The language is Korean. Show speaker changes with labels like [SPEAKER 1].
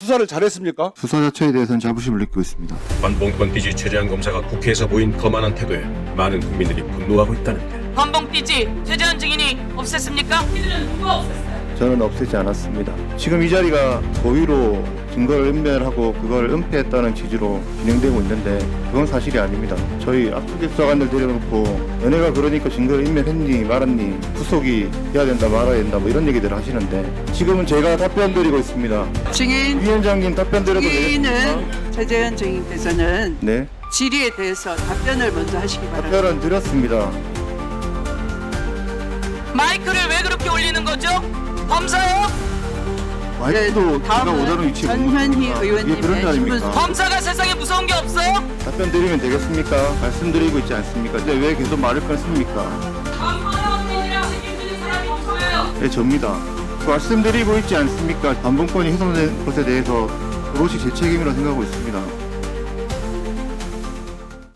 [SPEAKER 1] 수사를 잘했습니까?
[SPEAKER 2] 수사 자체에 대해서는 자부심을 느끼고 있습니다.
[SPEAKER 3] 반봉권 띠지 최재한 검사가 국회에서 보인 거만한 태도에 많은 국민들이 분노하고 있다는데
[SPEAKER 4] 반봉띠지 최재현 증인이 없앴습니까? 이들은 누가 없앴어요?
[SPEAKER 2] 저는 없애지 않았습니다. 지금 이 자리가 고의로 증거를 은멸하고 그걸 은폐했다는 취지로 진행되고 있는데 그건 사실이 아닙니다. 저희 압수기 수사관들 데려놓고 너네가 그러니까 증거를 인멸했니 말았니 후속이 해야 된다 말아야 된다 뭐 이런 얘기들 하시는데 지금은 제가 답변 드리고 있습니다.
[SPEAKER 5] 증인
[SPEAKER 2] 위원장님 답변 드려도 되겠습니까?
[SPEAKER 5] 증인은 최재현 증인께서는
[SPEAKER 2] 네,
[SPEAKER 5] 질의에 대해서 답변을 먼저 하시기 바랍니다.
[SPEAKER 2] 답변은 드렸습니다.
[SPEAKER 4] 마이크를 왜 그렇게 올리는 거죠? 검사요?
[SPEAKER 2] 마이크도 제가
[SPEAKER 5] 다음은
[SPEAKER 2] 오다는 위치에
[SPEAKER 5] 전현희 의원님의
[SPEAKER 2] 이게 그런 거 아닙니까?
[SPEAKER 5] 질문
[SPEAKER 4] 검사가 세상에 무서운 게 없어요?
[SPEAKER 2] 답변 드리면 되겠습니까? 말씀드리고 있지 않습니까? 근데 왜 계속 말을 끊습니까?
[SPEAKER 4] 강화원님이랑 책임지는 사람이 없어요.
[SPEAKER 2] 네, 접니다. 말씀드리고 있지 않습니까? 반봉권이 훼손된 것에 대해서 오롯이 제 책임이라고 생각하고 있습니다.